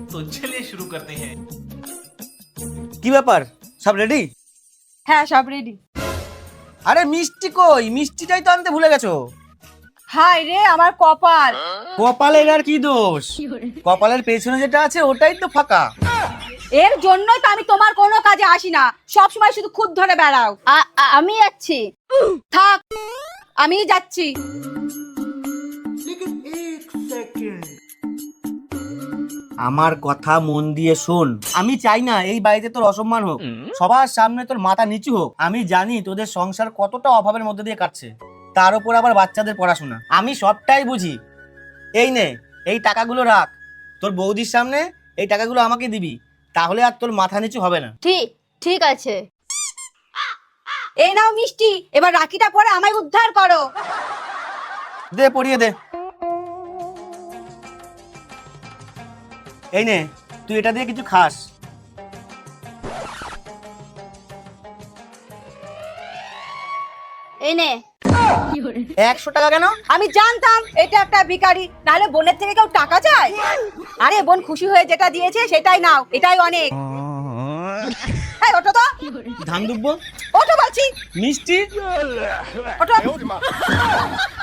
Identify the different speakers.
Speaker 1: तो चलिए शुरू करते हैं।
Speaker 2: কি ব্যাপার, সব রেডি?
Speaker 3: হ্যাঁ সব রেডি।
Speaker 2: আরে মিষ্টি কই? মিষ্টিটাই তো আনতে ভুলে গেছো।
Speaker 3: হাই রে আমার কপাল।
Speaker 2: কপালের আর কি দোষ? কপালের পেছনে যেটা আছে ওটাই তো ফাঁকা।
Speaker 3: এর জন্যই তো আমি তোমার কোনো কাজে আসি না, সব সময় শুধু খুদ ধরে বেড়াও। আমি যাচ্ছি। থাক, আমি যাচ্ছি।
Speaker 2: আমার কথা মন দিয়ে শোন, আমি চাই না এই বাড়িতে তোর অসম্মান হোক, সবার সামনে তোর মাথা নিচু হোক। আমি জানি তোদের সংসার কতটা অভাবের মধ্যে দিয়ে কাটছে, তার উপর আবার বাচ্চাদের পড়াশোনা। আমি সবটাই বুঝি। এই নে, এই টাকাগুলো রাখ, তোর বৌদির সামনে এই টাকাগুলো আমাকে দিবি, তাহলে আর তোর মাথা নিচু হবে না।
Speaker 4: ঠিক আছে।
Speaker 3: এই নাও মিষ্টি, এবার রাখিটা পরে আমায় উদ্ধার করো।
Speaker 2: দে, পড়িয়ে দে। এই নে, তুই এটা দিয়ে কিছু খাস।
Speaker 4: এই নে।
Speaker 2: 100 টাকা কেন?
Speaker 3: আমি জানতাম এটা একটা ভিখারি, নাহলে বোনের থেকে কেউ টাকা চায়? আরে বোন খুশি হয়ে যেটা দিয়েছে সেটাই নাও, এটাই অনেক। এই ওঠো তো।
Speaker 2: ধান দুব্বো,
Speaker 3: ওঠো বলছি।
Speaker 2: মিষ্টি,
Speaker 3: ওঠো।